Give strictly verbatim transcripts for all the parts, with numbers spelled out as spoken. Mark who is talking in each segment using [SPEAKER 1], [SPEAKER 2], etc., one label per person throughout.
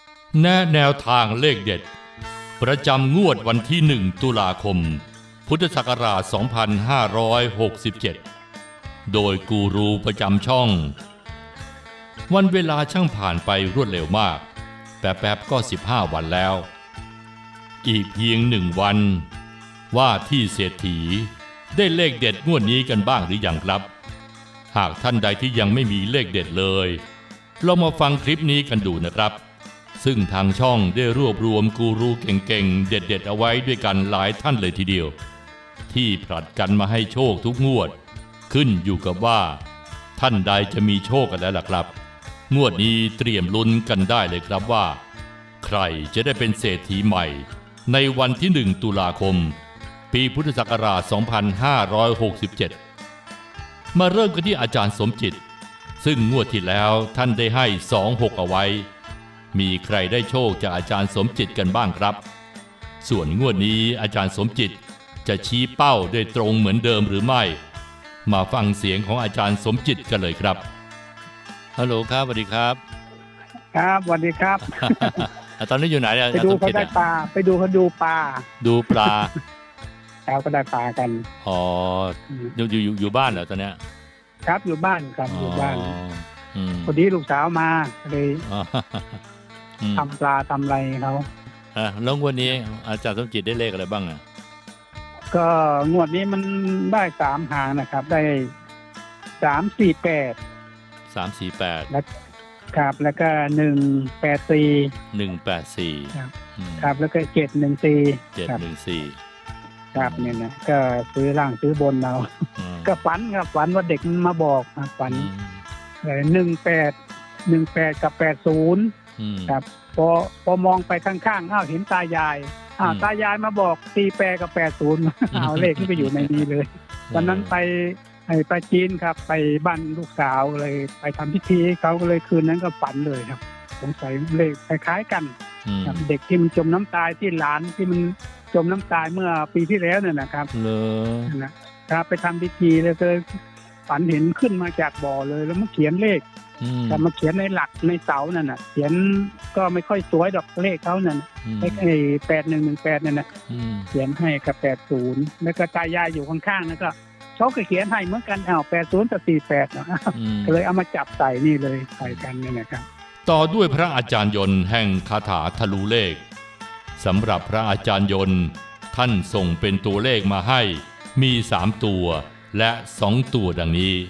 [SPEAKER 1] แนะแนวทางเลขเด็ดประจำงวดวันที่หนึ่งตุลาคมพุทธศักราชสองพันห้าร้อยหกสิบเจ็ดโดยกูรูประจำช่องวันเวลาช่างผ่านไปรวดเร็วมากแป๊บๆก็สิบห้าวันแล้วอีกเพียงหนึ่งวันว่าที่เศรษฐีได้เลขเด็ดงวดนี้กันบ้างหรือยังครับหากท่านใดที่ยังไม่มีเลขเด็ดเลยเรามาฟังคลิปนี้กันดูนะครับซึ่งทางช่องได้รวบรวมกูรูเก่งๆเด็ดๆเอาไว้ด้วยกันหลายท่านเลยทีเดียวที่ผลัดกันมาให้โชคทุกงวดขึ้นอยู่กับว่าท่านใดจะมีโชคกันแล้วล่ะครับงวดนี้เตรียมลุ้นกันได้เลยครับว่าใครจะได้เป็นเศรษฐีใหม่ในวันที่หนึ่งตุลาคมปีพุทธศักราชสองพันห้าร้อยหกสิบเจ็ดมาเริ่มกันที่อาจารย์สมจิตซึ่งงวดที่แล้วท่านได้ให้สองหกเอาไว้มีใครได้โชคจากอาจารย์สมจิตกันบ้างครับส่วนงวดนี้อาจารย์สมจิตจะชี้เป้าได้ตรงเหมือนเดิมหรือไม่มาฟังเสียงของอาจารย์สมจิตกันเลยครับฮัลโหลครับสวัสดีครับ
[SPEAKER 2] ครับสวัสดีครับ
[SPEAKER 1] ตอนนี้อยู่ไหนอาจารย์
[SPEAKER 2] ไปดู
[SPEAKER 1] สม
[SPEAKER 2] เขา
[SPEAKER 1] จิต
[SPEAKER 2] ได้ปลาไปดูเขาดูปลา
[SPEAKER 1] ดูปลา
[SPEAKER 2] แล้วก็ได้ปลากัน
[SPEAKER 1] อ๋ออยู่อยู่อยู่อยู่บ้านเหรอตอนเนี้ย
[SPEAKER 2] ครับอยู่บ้านครับอยู่บ้านพอดีลูกสาวมาเลยทำปลาทำอะไรเขา
[SPEAKER 1] อ่าแล้ววันนี้อาจารย์สมจิตได้เลขอะไรบ้างอ่ะ
[SPEAKER 2] ก็งวดนี้มันได้สามหางนะครับได้สามสี่แปด
[SPEAKER 1] สามสี่แปด
[SPEAKER 2] แล้วครับแล้วก็หนึ่งแปดสี่
[SPEAKER 1] หนึ่งแปดสี่
[SPEAKER 2] ครับครับแล้วก็เจ็ดหนึ่งสี่
[SPEAKER 1] เจ็ดหนึ่งสี่
[SPEAKER 2] ครับเนี่ยนะก็ซื้อล่างซื้อบนเราก็ฝันครับฝันว่าเด็กมาบอกฝันหนึ่งแปดหนึ่งแปดกับแปดศูนย์ครับพอพอมองไปข้างๆอ้าวเห็นตายายอ้าวตายายมาบอกตีแปดกับแปดศูนย์เอาเลขที่ไปอยู่ในนี้เลยวันนั้นไปไปจีนครับไปบ้านลูกสาวเลยไปทำพิธีเขาก็เลยคืนนั้นก็ฝันเลยครับสงสัยเลขคล้ายๆกันเด็กที่มันจมน้ำตายที่หลานที่มันจมน้ำตายเมื่อปีที่แล้วเนี่ยนะครับนะครับไปทำพิธีแล้วก็ฝันเห็นขึ้นมาจากบ่อเลยแล้วมาเขียนเลขแต่มาเขียนในหลักในเสานั่นน่ะเขียนก็ไม่ค่อยสวยดอกเลขเขานั่นเลขไอ้แปดหนึ่งหนึ่งแปดนั่นนะเขียนให้กับแปดศูนย์แล้วก็ตายายอยู่ข้างๆนั่นก็เขาก็เขียนให้เหมือนกันอ้าวแปดศูนย์กับสี่แปดนะก็เลยเอามาจับใส่นี่เลยใส่กันนี่นะครับ
[SPEAKER 1] ต่อด้วยพระอาจารย์ยนต์แห่งคาถาทะลุเลขสำหรับพระอาจารย์ยนต์ท่านส่งเป็นตัวเลขมาให้มีสามตัวและสองตัวดังนี้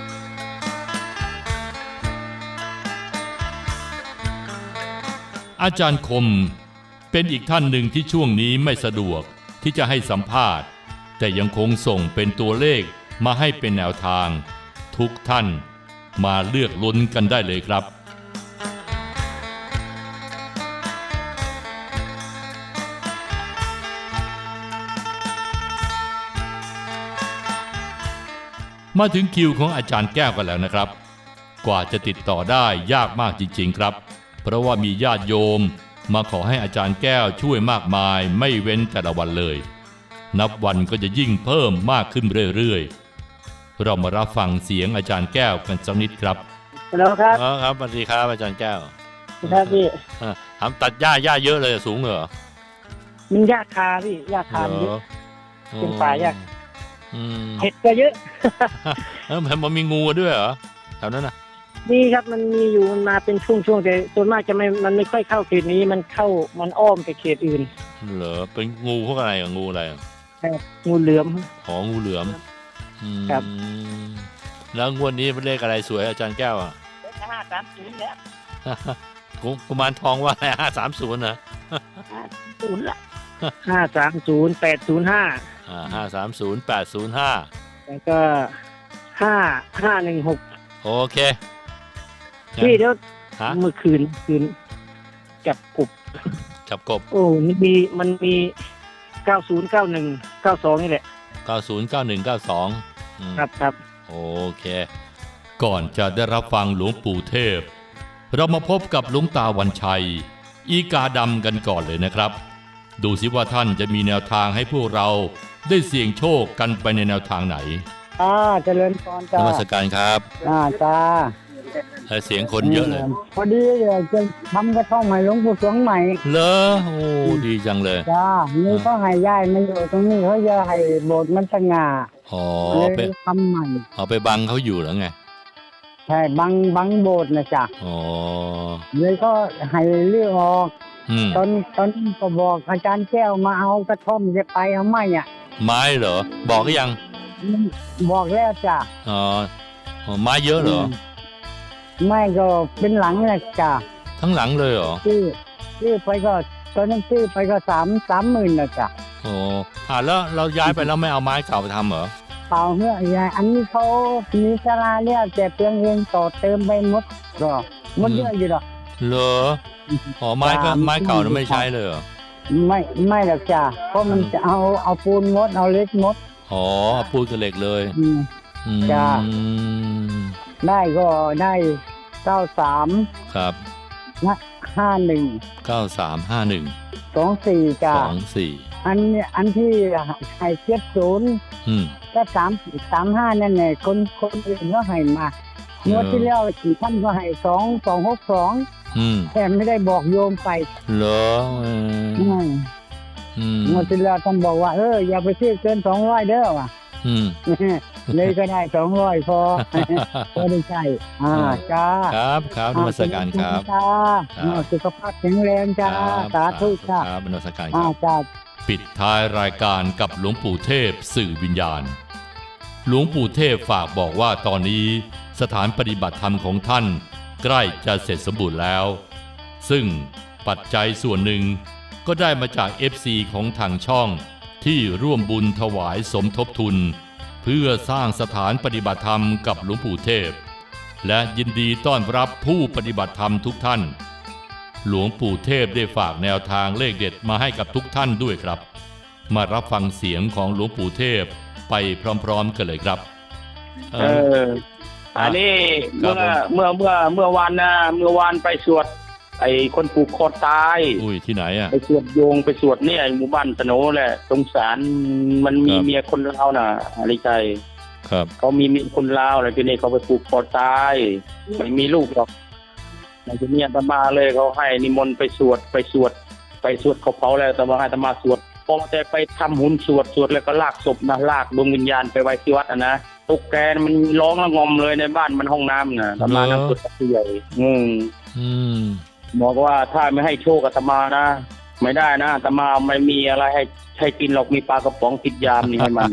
[SPEAKER 1] อาจารย์คมเป็นอีกท่านหนึ่งที่ช่วงนี้ไม่สะดวกที่จะให้สัมภาษณ์แต่ยังคงส่งเป็นตัวเลขมาให้เป็นแนวทางทุกท่านมาเลือกลุ้นกันได้เลยครับมาถึงคิวของอาจารย์แก้วกันแล้วนะครับกว่าจะติดต่อได้ยากมากจริงๆครับเพราะว่ามีญาติโยมมาขอให้อาจารย์แก้วช่วยมากมายไม่เว้นแต่ละวันเลยนับวันก็จะยิ่งเพิ่มมากขึ้นเรื่อยๆเรามารับฟังเสียงอาจารย์แก้วกันสักนิดครับ
[SPEAKER 2] ฮัลโหลครับ
[SPEAKER 1] อ๋อครับสวัสดีครับอาจารย์แก้ว
[SPEAKER 2] ครับพี่
[SPEAKER 1] ทำตัดหญ้าหญ้าเยอะเลยสูงเหรอ
[SPEAKER 2] มันหญ้าคาพี่หญ้าคาเยอะเป็นป่าหญ้าเห็ดก็เยอะ
[SPEAKER 1] เออมันมีงูด้วยเหรอแถวนั้นน่ะ
[SPEAKER 2] มีครับมันมีอยู่มันมาเป็นช่วงๆแต่ส่วนมากจะไม่มันไม่ค่อยเข้าเขตนี้มันเข้ามันอ้อมไปเขตอื่น
[SPEAKER 1] เหรอเป็นงูพวกอะไรอ่ะงูอะไร
[SPEAKER 2] งูเหลือม
[SPEAKER 1] อ๋องูเหลือม
[SPEAKER 2] ครับ
[SPEAKER 1] แล้วงวดนี้เป็นเลขอะไรสวยอาจารย์แก้วอ่ะ
[SPEAKER 2] ห้าสามศูนย์แล้ว
[SPEAKER 1] กุมารทองว่าอะไรห้าสามศูนย์นะ
[SPEAKER 2] ห้าศูนย์ละห้าสามศูนย์แปดศูนย์ห้า
[SPEAKER 1] อ่าห้าสามศูนย์แปดศูนย์ห้า
[SPEAKER 2] แล้วก็ห้าห้าหนึ่งหก
[SPEAKER 1] โอเค
[SPEAKER 2] พี่เดี๋ยวเมื่อคืนคืนจับกบ
[SPEAKER 1] จับกบ
[SPEAKER 2] โอ้มีมันมีเก้าศูนย์เก้าหนึ่งเก้าสองนี่แหละ
[SPEAKER 1] เก้าศูนย์เก้าหนึ่งเก้าสอง
[SPEAKER 2] ครับครับ
[SPEAKER 1] โอเคก่อนจะได้รับฟังหลวงปู่เทพเรามาพบกับหลวงตาวันชัยอีกาดำกันก่อนเลยนะครับดูสิว่าท่านจะมีแนวทางให้พวกเราได้เสี่ยงโชคกันไปในแนวทางไหน
[SPEAKER 2] อ่าเจริญพรจ้าน
[SPEAKER 1] มัสการครับ
[SPEAKER 2] อ่าจ้า
[SPEAKER 1] เออเสียงคนเยอะเลย
[SPEAKER 3] พอดีจะทำกระท่อมให้หลวงปู่สวงใหม่
[SPEAKER 1] เลอโอ้ดีจังเลย
[SPEAKER 3] จ้านี่ก็ให้ย้ายมาอยู่ตรงนี้เขาจะให้โบสถ์มันสง่า
[SPEAKER 1] อ๋อ
[SPEAKER 3] เลย
[SPEAKER 1] ไป
[SPEAKER 3] ทำใหม่
[SPEAKER 1] เอาไปบังเขาอยู่แล้วไง
[SPEAKER 3] ใช่บังบังโบสถ์นะจ๊ะ
[SPEAKER 1] อ๋อ
[SPEAKER 3] เลยก็ให้เลือกออก
[SPEAKER 1] อืม
[SPEAKER 3] ตอนตอนนี้ก็บอกอาจารย์แก้วมาเอากระท่อมจะไปเอาไหมอ่ะ
[SPEAKER 1] ไม้เหรอบอกก็ยัง
[SPEAKER 3] บอกแล้วจ้ะ
[SPEAKER 1] อ๋ออ๋อไม้เยอะเหรอ
[SPEAKER 3] ไม่ก็เป็นหลังนะจ้ะ
[SPEAKER 1] ทั้งหลังเลยเหรอ
[SPEAKER 3] ซื้อซื้อไปก็ตอนนั้นซื้อไปก็สามสามหมื่นนะจ๊ะ
[SPEAKER 1] โอ้อ่าแล้วเราย้ายไปแล้วไม่เอาไม้เก่าไปทำเหรอ
[SPEAKER 3] เปล่าเมื่อยายอันนี้เขามีศาลาเนี่ยแต่เพียงเองต่อเติมไปหมดก็หมดเยอะอยู่หรอก
[SPEAKER 1] เหรออ๋อไม้ก็ไม้เก่านั้นไม่ใช้เลยเหรอ
[SPEAKER 3] ไม่ไม่หรอกจ้ะเพราะมันจะเอาเอาปูนมดเอาเล็กมด
[SPEAKER 1] อ๋อปูนกับเหล็กเลย
[SPEAKER 3] อืม
[SPEAKER 1] อืม
[SPEAKER 3] จ้ะ ได้ก็ได้เก้าสาม
[SPEAKER 1] ครับ
[SPEAKER 3] ห้าหนึ่ง
[SPEAKER 1] เก้าสามห้าหนึ่ง
[SPEAKER 3] สองสี่จ้ะ
[SPEAKER 1] สองสี่
[SPEAKER 3] อันอันที่ให้เจ็ดศูนย์
[SPEAKER 1] อืม
[SPEAKER 3] ก็สามสามห้านั่นแหละคนคนอื่นก็ให้มาเมื่อที่แล้วท่านก็ให้สองสองหกสอง
[SPEAKER 1] อืม
[SPEAKER 3] แต่ไม่ได้บอกโยมไป
[SPEAKER 1] เหรอเออ
[SPEAKER 3] อืม
[SPEAKER 1] อืม
[SPEAKER 3] เมื่อที่แล้วท่านบอกว่าเอออย่าไปซื้อเกินสองร้อยเด้อว่ะ
[SPEAKER 1] อืม
[SPEAKER 3] เลยก็ได้สองร้อยพอ ก็ได้ใช่อ่าจ้า
[SPEAKER 1] ครับครับนมัสการครับ
[SPEAKER 3] จ้า
[SPEAKER 1] ครับ
[SPEAKER 3] สุขภาพแข็งแรงจ้า
[SPEAKER 1] ครับ
[SPEAKER 3] สาธุจ้า
[SPEAKER 1] ครับนมัสการค
[SPEAKER 3] อ่า
[SPEAKER 1] รับ
[SPEAKER 3] จ้า
[SPEAKER 1] ปิดท้ายรายการกับหลวงปู่เทพสื่อวิญญาณ หลวงปู่เทพฝากบอกว่าตอนนี้สถานปฏิบัติธรรมของท่านใกล้จะเสร็จสมบูรณ์แล้ว ซึ่งปัจจัยส่วนหนึ่งก็ได้มาจาก เอฟ ซี ของทางช่องที่ร่วมบุญถวายสมทบทุน เพื่อสร้างสถานปฏิบัติธรรมกับหลวงปู่เทพ และยินดีต้อนรับผู้ปฏิบัติธรรมทุกท่าน หลวงปู่เทพได้ฝากแนวทางเลขเด็ดมาให้กับทุกท่านด้วยครับ มารับฟังเสียงของหลวงปู่เทพไปพร้อมๆกันเลยครับ เอ
[SPEAKER 4] เอ
[SPEAKER 1] อ
[SPEAKER 4] อ อันนี้
[SPEAKER 1] ครั
[SPEAKER 4] เมื่
[SPEAKER 1] บ
[SPEAKER 4] อเมื่อเมื่อเมื่อวานนะเมื่อวานไปสวด ไอ้คนผูกคอตาย
[SPEAKER 1] อุ้ยที่ไหนอ่ะ
[SPEAKER 4] ไปสวดโยงไปสวดเนี่ยหมู่บ้านตะโนแหละสงสารมันมี
[SPEAKER 1] ครับ
[SPEAKER 4] เมียคนลาวน่ะอะไรใจ
[SPEAKER 1] ครับ
[SPEAKER 4] เขามีเมียคนลาวแล้วทีนี้เขาไปผูกคอตายไม่มีลูกหรอกแล้วทีนี้อาตมาเลยเขาให้นิมนต์ไปสวดไปสวด ไปสวดเขาเผาแล้วแต่ว่าให้อาตมาสวดพอแต่ไปทำหุ่นสวดสวดแล้วก็ลากศพนะลากดวงวิญญาณไปไว้ที่วัดอ่ะนะตุ๊กแกมันร้องระงมเลยในบ้านมันห้องน้ำน่ะอาตมานั่งสวดกับผู้ใหญ่อืม
[SPEAKER 1] อืม
[SPEAKER 4] บอกว่าถ้าไม่ให้โชคอาตมานะไม่ได้นะอาตมาไม่มีอะไรให้ให้กินหรอกมีปลากระป๋องติดยามนี่ให้มัน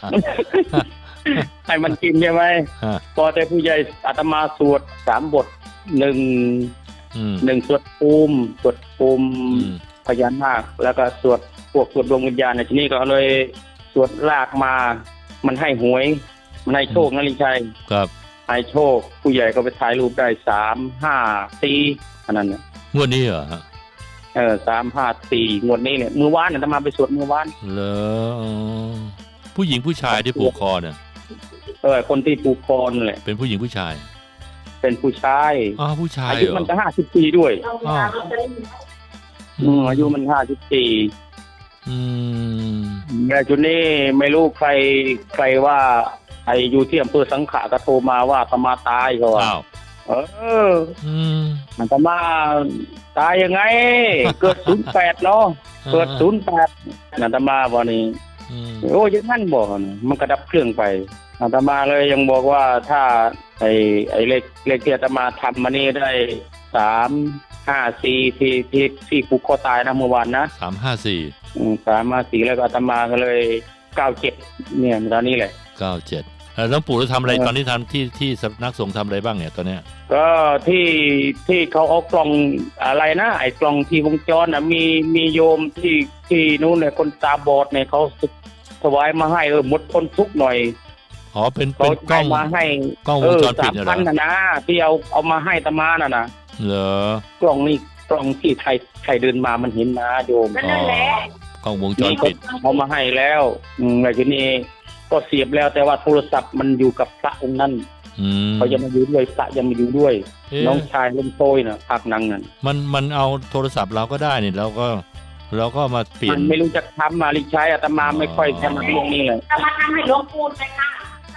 [SPEAKER 4] ให้มันกินใช่ไหม
[SPEAKER 1] ฮะ
[SPEAKER 4] พอแต่ผู้ใหญ่อาตมาสวดสามบทหนึ่ง
[SPEAKER 1] อืม
[SPEAKER 4] หนึ่งสวดภูมิสวดภูมิ
[SPEAKER 1] อืม
[SPEAKER 4] พญานาคแล้วก็สวดพวกสวดดวงวิญญาณในที่นี้ก็เลยสวดลากมา มันให้หวย มันให้โชคนะลิชัย
[SPEAKER 1] ครับ
[SPEAKER 4] ให้โชค ผู้ใหญ่ก็ไปถ่ายรูปได้สามห้าสี่อันนั้นเนี่ย
[SPEAKER 1] งวดนี้เหรอฮะ
[SPEAKER 4] เออสามห้าสี่งวดนี้เนี่ยมือวานเนี่ยอาตมาไปสวดมือวาน
[SPEAKER 1] เหรออ๋อผู้หญิงผู้ชายที่ผูกคอเนี่ย
[SPEAKER 4] เออคนที่ผูกคอนั่นแหละ
[SPEAKER 1] เป็นผู้หญิงผู้ชาย
[SPEAKER 4] เป็นผู้ชาย
[SPEAKER 1] อ๋อผู้ชาย
[SPEAKER 4] อา
[SPEAKER 1] เห
[SPEAKER 4] ยุ
[SPEAKER 1] รอ
[SPEAKER 4] มันจะห้าสิบปีด้วย
[SPEAKER 1] อ๋อ
[SPEAKER 4] อืมอายุมันห้าสิบปี
[SPEAKER 1] อืม
[SPEAKER 4] แต่จุดนี้ไม่รู้ใครใครว่าไอ้อยู่ที่อำเภอสังขะก็โทรมาว่าอาตมาตายเขาว่า
[SPEAKER 1] อ้าว
[SPEAKER 4] เออ
[SPEAKER 1] อืม
[SPEAKER 4] อาตมาตายยังไง เกิดศูนย์แปดเนาะเกิดศูนย์แปดอาตมาบอกนี่
[SPEAKER 1] อืม
[SPEAKER 4] โอ้ยงนั่นบอกนะมันกระดับเครื่องไปอาตมาเลยยังบอกว่าถ้าไอ้ไอ้เลขเลขที่อาตมาทำมานี่ได้สามห้าสี่ที่ที่ที่ผูกคอตายนะเมื่อวานนะ
[SPEAKER 1] สามห้าสี่
[SPEAKER 4] อืมสามห้าสี่แล้วก็อาตมาก็เลยเก้าเจ็ดเนี่ยตอนนี้แหละ
[SPEAKER 1] เก้าเจ็ดแล้วหลวงปู่จะทำอะไร
[SPEAKER 4] เออ
[SPEAKER 1] ตอนนี้ทำที่ที่สำนักสงฆ์ทำอะไรบ้างเนี่ยตอนเนี้ย
[SPEAKER 4] ก็ที่ที่เขาเอากล่องอะไรนะไอ้กล่องที่วงจรนะมีมีโยมที่ที่นู้นเนี่ยคนตาบอดเนี่ยเขาถวายมาให้เออหมดคนทุกข์หน่อย
[SPEAKER 1] อ๋อเป็น
[SPEAKER 4] เขา
[SPEAKER 1] เป็นกล้อง
[SPEAKER 4] ให้มาให้
[SPEAKER 1] กล้องว
[SPEAKER 4] เอง อ
[SPEAKER 1] จรปิ
[SPEAKER 4] สา
[SPEAKER 1] ด
[SPEAKER 4] ม
[SPEAKER 1] เนี่ยเหร
[SPEAKER 4] พั
[SPEAKER 1] อน
[SPEAKER 4] นะนะที่เอาเอามาให้ตามาน่ะนะ
[SPEAKER 1] เหรอก
[SPEAKER 4] ล่องนี่กล่องที่ไทยไทยเดินมามันเห็นนะโยม
[SPEAKER 1] อ๋อกล้องวงจร
[SPEAKER 4] นี่
[SPEAKER 1] ปิด
[SPEAKER 4] เอามาให้แล้วอืมแล้วทีนี้ก็เสียบแล้วแต่ว่าโทรศัพท์มันอยู่กับพระองค์นั้น
[SPEAKER 1] อืม
[SPEAKER 4] เขายังมาอยู่ด้วยพระยังมาอยู่ด้วย
[SPEAKER 1] เอ๊ะ
[SPEAKER 4] น้องชายเล่นโต้ยนะภาคนังนั่น
[SPEAKER 1] มันมันเอาโทรศัพท์เราก็ได้นี่เราก็เราก็มาเปลี่ย
[SPEAKER 4] มัน นไม่รู้จะทำมาลิใช้อาตมาไม่ค่อยถนัดเรื่องนี้เลย
[SPEAKER 5] จะมาทำให้หลวงปู่เลยค่ะ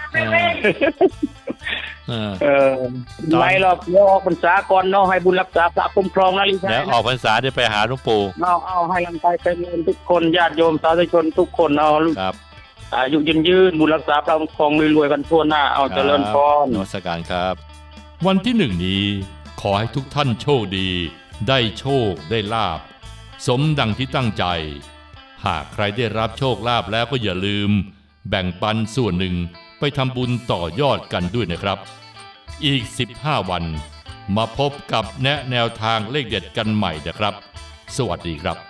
[SPEAKER 1] เออ
[SPEAKER 4] เออไม่หรอกเดี๋ยวออกพรรษาก่อนเนาะให้บุญรักษาพระคุ้มครองนะลิซ่า
[SPEAKER 1] แล้วออกพรรษาได้ไปหาหลวงปู่
[SPEAKER 4] เอาเอาให้ลำไปเป็นเงินทุกคนญาติโยมสาธุชนทุกคนเอา
[SPEAKER 1] ครับ
[SPEAKER 4] อายุยืนยืนบุญรักษาพระคุ้มครองรวยๆกันทั่วหน้าเอาเจริญพร
[SPEAKER 1] นมัสการครับ วันที่หนึ่งนี้ขอให้ทุกท่านโชคดี ได้โชคได้ลาบสมดังที่ตั้งใจ หากใครได้รับโชคลาภแล้วก็อย่าลืม แบ่งปันส่วนหนึ่งไปทำบุญต่อยอดกันด้วยนะครับ อีกสิบห้าวันมาพบกับแนะแนวทางเลขเด็ดกันใหม่นะครับ สวัสดีครับ